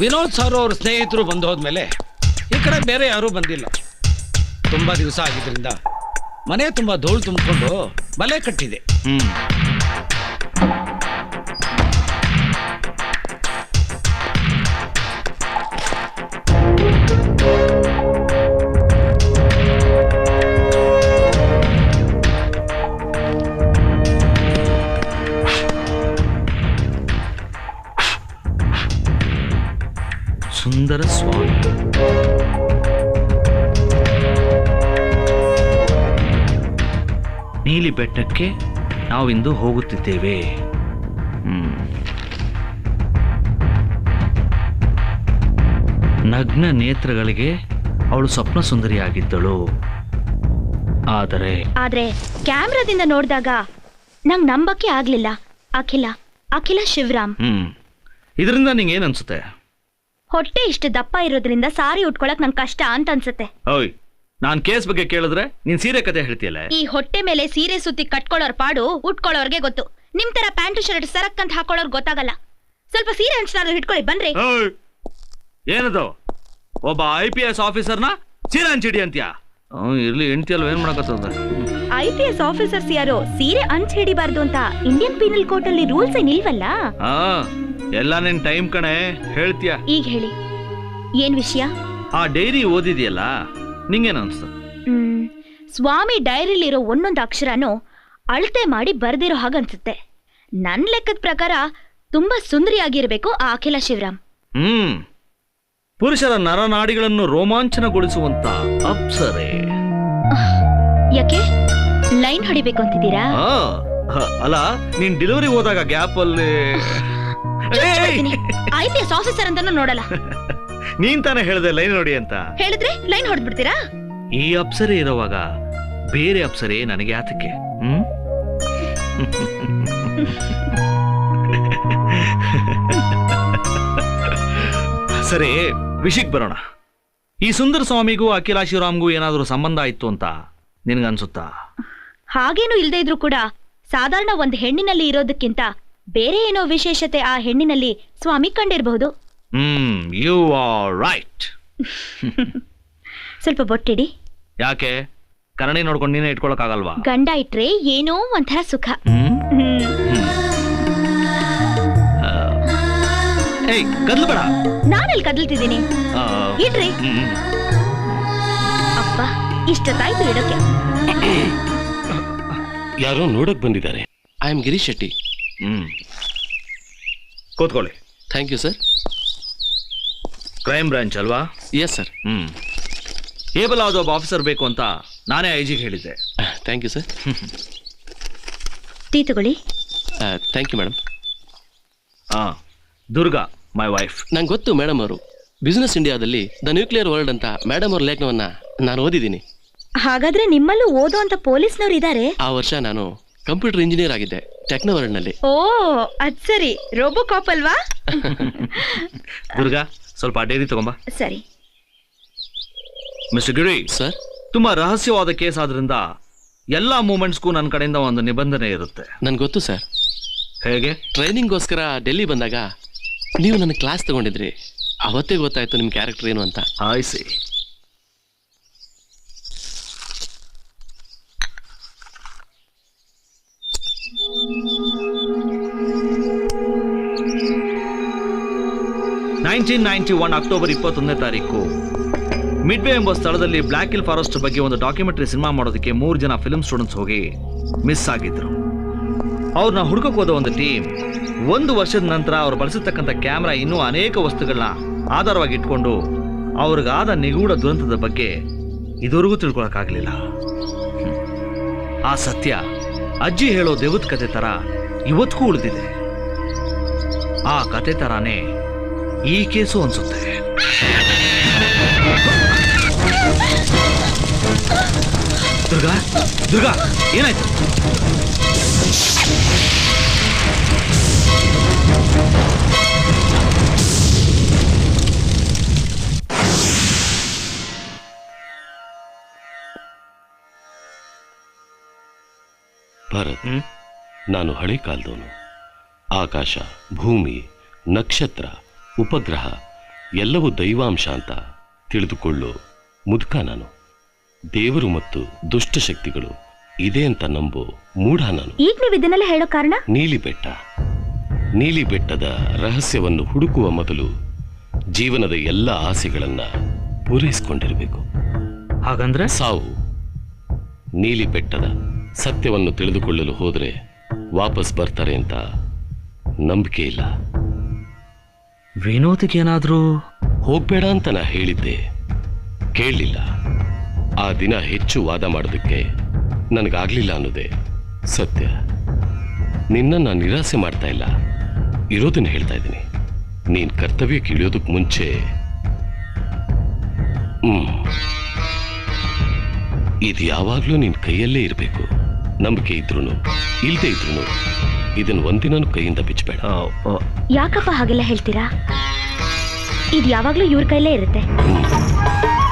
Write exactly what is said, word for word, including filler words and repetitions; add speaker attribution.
Speaker 1: Vinod sir ಅವ್ರ ಸ್ನೇಹಿತರು ಬಂದು ಹೋದ್ಮೇಲೆ ಈ ಕಡೆ ಬೇರೆ ಯಾರೂ ಬಂದಿಲ್ಲ. ತುಂಬ ದಿವಸ ಆಗಿದ್ದರಿಂದ ಮನೆ ತುಂಬ ಧೂಳು ತುಂಬಿಕೊಂಡು ಬಲೆ ಕಟ್ಟಿದೆ.
Speaker 2: ಹ್ಮ್ ಸುಂದರ ಸ್ವಾಮಿ ನೀಲಿ ಬೆಟ್ಟಕ್ಕೆ ನಾವಿಂದು ಹೋಗುತ್ತಿದ್ದೇವೆ. ಹ್ಮ್ ನಗ್ನ ನೇತ್ರಗಳಿಗೆ ಅವಳು ಸ್ವಪ್ನ ಸುಂದರಿಯಾಗಿದ್ದಳು. ಆದರೆ
Speaker 3: ಆದ್ರೆ ಕ್ಯಾಮ್ರಾದಿಂದ ನೋಡಿದಾಗ ನಂಗೆ ನಂಬಕ್ಕೆ ಆಗ್ಲಿಲ್ಲ. ಅಖಿಲ ಅಖಿಲ ಶಿವರಾಮ್.
Speaker 2: ಹ್ಮ್ ಇದರಿಂದ ನಿಂಗೆ ಏನ್ ಅನ್ಸುತ್ತೆ?
Speaker 3: ಹೊಟ್ಟೆ ಇಷ್ಟು ದಪ್ಪ ಇರೋದ್ರಿಂದ ಸಾರಿ ಉಟ್ಕೊಳಕ್ ನಂಗೆ ಕಷ್ಟ ಅಂತ ಅನ್ಸುತ್ತೆ.
Speaker 2: ಓಯ್, ನಾನ್ ಕೇಸ್ ಬಗ್ಗೆ ಕೇಳಿದ್ರೆ ನೀನ್ ಸೀರೆ ಕತೆ ಹೇಳ್ತೀಯಲ್ಲ.
Speaker 3: ಈ ಹೊಟ್ಟೆ ಮೇಲೆ ಸೀರೆ ಸುತ್ತಿ ಕಟ್ಕೊಳ್ಳೋರ್ ಪಾಡು ಉಟ್ಕೊಳ್ಳೋರ್ಗೆ ಗೊತ್ತು. ನಿಮ್ ತರ ಪ್ಯಾಂಟು ಶರ್ಟ್ ಸರಕ್ ಅಂತ ಹಾಕೊಳ್ಳೋರ್ ಗೊತ್ತಾಗಲ್ಲ. ಸ್ವಲ್ಪ ಸೀರೆ ಹಂಚಿನಾದ್ರು ಹಿಡ್ಕೊಳ್ಳಿ ಬನ್ರಿ.
Speaker 2: ಏನದು ಒಬ್ಬ ಐ ಪಿ ಎಸ್ ಆಫೀಸರ್ನ ಸೀರೆ ಹಂಚಿಡಿ ಅಂತ್ಯಾ? ಇರ್ಲಿ, ಹೆಂಡತಿ ಅಲ್ವ, ಏನ್ ಮಾಡಕತ್ತದ?
Speaker 3: ಐ ಪಿ ಎಸ್ ಆಫೀಸರ್ಸ್ ಯಾರು ಸೀರೆ ಹಂಚ್ ಹಿಡಿಬಾರ್ದು ಅಂತ ಇಂಡಿಯನ್ ಪೀನಲ್ ಕೋರ್ಟ್ ಅಲ್ಲಿ ರೂಲ್ಸ್ ಏನಿಲ್ವಲ್ಲ?
Speaker 2: ಹಾ, ಎಲ್ಲ ನಿನ್ ಟೈಮ್ ಕಣೆ, ಹೇಳ್ತೀಯ.
Speaker 3: ಈಗ ಹೇಳಿ, ಏನ್ ವಿಷಯ?
Speaker 2: ಆ ಡೈರಿ ಓದಿದ್ಯಲ್ಲ, ನಿಂಗೇನು ಅನ್ಸ್ತು?
Speaker 3: ಹ್ಮ್ ಸ್ವಾಮಿ ಡೈರಿಲಿರೋ ಒಂದೊಂದು ಅಕ್ಷರನೂ ಅಳತೆ ಮಾಡಿ ಬರ್ದಿರೋ ಹಾಗನ್ಸುತ್ತೆ. ನನ್ ಲೆಕ್ಕದ ಪ್ರಕಾರ ತುಂಬಾ ಸುಂದರಿಯಾಗಿರ್ಬೇಕು ಆ ಅಖಿಲ ಶಿವರಾಮ್.
Speaker 2: ಹ್ಮ್ ಪುರುಷರ ನರನಾಡಿಗಳನ್ನು ರೋಮಾಂಚನಗೊಳಿಸುವಂತ ಅಪ್ಸರೆ.
Speaker 3: ಯಾಕೆ ಲೈನ್ ಹೊಡಿಬೇಕು ಅಂತಿದ್ದೀರಾ?
Speaker 2: ಅಲ್ಲ, ನೀನ್ ಡೆಲಿವರಿ ಹೋದಾಗ ಗ್ಯಾಪ್ ಅಲ್ಲಿ
Speaker 3: ಐ ಪಿ ಎಸ್ ಆಫೀಸರ್ ಅಂತಾನು ನೋಡಲ್ಲ.
Speaker 2: ನೀನ್ ತಾನೇ ಹೇಳ್ದೆ ಲೈನ್ ನೋಡಿ ಅಂತ.
Speaker 3: ಹೇಳಿದ್ರೆ ಲೈನ್ ಹೊಡೆದ್ಬಿಡ್ತೀರಾ?
Speaker 2: ಈ ಅಪ್ಸರೆ ಇರುವಾಗ ಬೇರೆ ಅಪ್ಸರೆ ನನಗೆ ಆತಕ್ಕೆ? ಹ್ಮ್ ಸರಿ, ವಿಷಯಕ್ಕೆ ಬರೋಣ. ಈ ಸುಂದರ ಸ್ವಾಮಿಗೂ ಅಖಿಲ ಶಿವರಾಮ್ಗೂ ಏನಾದರೂ ಸಂಬಂಧ ಇತ್ತು ಅಂತ ನಿನಗನ್ಸುತ್ತಾ?
Speaker 3: ಹಾಗೇನು ಇಲ್ದೇ ಇದ್ರು ಕೂಡ ಸಾಧಾರಣ ಒಂದು ಹೆಣ್ಣಿನಲ್ಲಿ ಇರೋದಕ್ಕಿಂತ ಬೇರೆ ಏನೋ ವಿಶೇಷತೆ ಆ ಹೆಣ್ಣಿನಲ್ಲಿ ಸ್ವಾಮಿ ಕಂಡಿರಬಹುದು.
Speaker 2: Hmm you are right.
Speaker 3: ಸ್ವಲ್ಪ ಬೊಟ್ಟಿಡಿ.
Speaker 2: ಯಾಕೆ? ಕನ್ನಡಿ ನೋಡ್ಕೊಂಡು ನೀನೇ ಇಟ್ಕೊಳಕ್ಕಾಗಲ್ವಾ?
Speaker 3: ಗಂಡ ಇಟ್ರೆ ಏನೋ ಒಂಥರ ಸುಖ.
Speaker 2: ಏಯ್, ಕದ್ಲಬೇಡ.
Speaker 3: ನಾನೆಲ್ಲಿ ಕದಲ್ತಿದ್ದೀನಿ? ಇಡ್ರಿ. ಅಪ್ಪ, ಇಷ್ಟೊತ್ತಾಯ್ತು ಇಡೋಕೆ.
Speaker 4: ಯಾರೋ ನೋಡಕ್ ಬಂದಿದ್ದಾರೆ. I am Girish Shetty.
Speaker 2: Hmm ಕೂತ್ಕೊಳ್ಳಿ.
Speaker 4: Thank you sir.
Speaker 2: Crime branch ಅಲ್ವಾ?
Speaker 4: Yes sir.
Speaker 2: ಹ್ಮ್ ಏಬಲ್ ಆದ ಒಬ್ಬ ಆಫೀಸರ್ ಬೇಕು ಅಂತ ನಾನೇ ಐ ಜಿಗೆ ಹೇಳಿದ್ದೆ.
Speaker 4: Thank you sir.
Speaker 3: ಟೀ ತಗೊಳ್ಳಿ.
Speaker 4: Thank you madam.
Speaker 2: ಹಾ, ದುರ್ಗಾ ಮೈ ವೈಫ್.
Speaker 4: ನಂಗೆ ಗೊತ್ತು ಮೇಡಮ್ ಅವರು ಬಿಸ್ನೆಸ್ ಇಂಡಿಯಾದಲ್ಲಿ ದ ನ್ಯೂಕ್ಲಿಯರ್ ವರ್ಲ್ಡ್ ಅಂತ ಮೇಡಮ್ ಅವ್ರ ಲೇಖನವನ್ನ ನಾನು ಓದಿದ್ದೀನಿ.
Speaker 3: ಹಾಗಾದ್ರೆ ನಿಮ್ಮಲ್ಲೂ ಓದೋ ಅಂತ ಪೊಲೀಸ್ನವ್ರು ಇದ್ದಾರೆ?
Speaker 4: ಆ ವರ್ಷ ನಾನು ಕಂಪ್ಯೂಟರ್ ಇಂಜಿನಿಯರ್ ಆಗಿದ್ದೆ ಟೆಕ್ನೋವರ್ಲ್ಡ್ ನಲ್ಲಿ.
Speaker 3: ಓ ಅದ್ ಸರಿ, ರೋಬೋ ಕಾಪ್ ಅಲ್ವಾ?
Speaker 2: ದುರ್ಗಾ, ಸ್ವಲ್ಪ ಡೈರಿ ತಗೊಂಬಾ.
Speaker 3: ಸರಿ.
Speaker 2: ಮಿಸ್ಟರ್ ಗಿರಿ
Speaker 4: ಸರ್,
Speaker 2: ತುಂಬಾ ರಹಸ್ಯವಾದ ಕೇಸ್ ಆದ್ರಿಂದ ಎಲ್ಲಾ ಮೂಮೆಂಟ್ಸ್ಗೂ ನನ್ನ ಕಡೆಯಿಂದ ಒಂದು ನಿಬಂಧನೆ ಇರುತ್ತೆ.
Speaker 4: ನನ್ಗೆ ಗೊತ್ತು ಸರ್.
Speaker 2: ಹೇಗೆ?
Speaker 4: ಟ್ರೈನಿಂಗ್ಗೋಸ್ಕರ ಡೆಲ್ಲಿ ಬಂದಾಗ ನೀವು ನನ್ನ ಕ್ಲಾಸ್ ತಗೊಂಡಿದ್ರಿ. ಅವತ್ತೇ ಗೊತ್ತಾಯ್ತು ನಿಮ್ ಕ್ಯಾರೆಕ್ಟರ್ ಏನು ಅಂತ.
Speaker 2: I see. Nineteen ninety one October ಇಪ್ಪತ್ತೊಂದನೇ ತಾರೀಕು ಮಿಡ್ವೇ ಎಂಬ ಸ್ಥಳದಲ್ಲಿ ಬ್ಲ್ಯಾಕ್ ಹಿಲ್ ಫಾರೆಸ್ಟ್ ಬಗ್ಗೆ ಒಂದು ಡಾಕ್ಯುಮೆಂಟರಿ ಸಿನಿಮಾ ಮಾಡೋದಕ್ಕೆ ಮೂರು ಜನ ಫಿಲ್ಮ್ ಸ್ಟೂಡೆಂಟ್ಸ್ ಹೋಗಿ ಮಿಸ್ ಆಗಿದ್ರು. ಅವ್ರನ್ನ ಹುಡುಕಕ್ಕೆ ಹೋದ ಒಂದು ಟೀಮ್ ಒಂದು ವರ್ಷದ ನಂತರ ಅವ್ರು ಬಳಸಿರ್ತಕ್ಕಂಥ ಕ್ಯಾಮ್ರಾ ಇನ್ನೂ ಅನೇಕ ವಸ್ತುಗಳನ್ನ ಆಧಾರವಾಗಿ ಇಟ್ಕೊಂಡು ಅವ್ರಿಗಾದ ನಿಗೂಢ ದುರಂತದ ಬಗ್ಗೆ ಇದುವರೆಗೂ ತಿಳ್ಕೊಳಕ್ಕಾಗಲಿಲ್ಲ. ಆ ಸತ್ಯ ಅಜ್ಜಿ ಹೇಳೋ ದೇವದ ಕತೆ ತರ ಇವತ್ತಿಗೂ ಉಳಿದಿದೆ. ಆ ಕತೆ ತರಾನೇ ಈ ಕೇಸು ಅನ್ಸುತ್ತೆ. ದುರ್ಗಾ, ದುರ್ಗಾ, ಏನಾಯ್ತು?
Speaker 4: ಭಾರತ್, ನಾನು ಹಳೆ ಕಾಲದವನು. ಆಕಾಶ, ಭೂಮಿ, ನಕ್ಷತ್ರ, ಉಪಗ್ರಹ
Speaker 5: ಎಲ್ಲವೂ ದೈವಾಂಶ ಅಂತ ತಿಳಿದುಕೊಳ್ಳು ಮುದುಕ ನಾನು. ದೇವರು ಮತ್ತು ದುಷ್ಟಶಕ್ತಿಗಳು ಇದೆ ಅಂತ ನಂಬೋ ಮೂಢ ನಾನು.
Speaker 3: ಈಗ ನೀವು ಇದನ್ನೆಲ್ಲ ಹೇಳೋ ಕಾರಣ?
Speaker 5: ನೀಲಿ ಬೆಟ್ಟ ನೀಲಿ ಬೆಟ್ಟದ ರಹಸ್ಯವನ್ನು ಹುಡುಕುವ ಮೊದಲು ಜೀವನದ ಎಲ್ಲ ಆಸೆಗಳನ್ನ ಪೂರೈಸಿಕೊಂಡಿರಬೇಕು.
Speaker 2: ಹಾಗಂದ್ರೆ
Speaker 5: ಸಾವು. ನೀಲಿ ಬೆಟ್ಟದ ಸತ್ಯವನ್ನು ತಿಳಿದುಕೊಳ್ಳಲು ಹೋದ್ರೆ ವಾಪಸ್ ಬರ್ತಾರೆ ಅಂತ ನಂಬಿಕೆ ಇಲ್ಲ.
Speaker 2: ವಿನೋದಿಗೇನಾದ್ರೂ
Speaker 5: ಹೋಗ್ಬೇಡ ಅಂತ ನಾ ಹೇಳಿದ್ದೆ, ಕೇಳಲಿಲ್ಲ. ಆ ದಿನ ಹೆಚ್ಚು ವಾದ ಮಾಡೋದಕ್ಕೆ ನನಗಾಗ್ಲಿಲ್ಲ ಅನ್ನೋದೇ ಸತ್ಯ. ನಿನ್ನ ನಾನು ನಿರಾಸೆ ಮಾಡ್ತಾ ಇಲ್ಲ, ಇರೋದನ್ನ ಹೇಳ್ತಾ ಇದ್ದೀನಿ. ನೀನ್ ಕರ್ತವ್ಯಕ್ಕೆ ಇಳಿಯೋದಕ್ಕೆ ಮುಂಚೆ ಹ್ಮ್ ಇದು ಯಾವಾಗ್ಲೂ ನಿನ್ ಕೈಯಲ್ಲೇ ಇರಬೇಕು. ನಂಬಿಕೆ ಇದ್ರು ಇಲ್ದೇ ಇದ್ರು ಇದನ್ನ ಒಂದಿನೂ ಕೈಯಿಂದ ಬಿಚ್ಚಬೇಡ.
Speaker 3: ಯಾಕಪ್ಪ ಹಾಗೆಲ್ಲ ಹೇಳ್ತೀರಾ? ಇದು ಯಾವಾಗ್ಲೂ ಇವ್ರ ಕೈಲೇ ಇರುತ್ತೆ.
Speaker 5: ಹ್ಮ್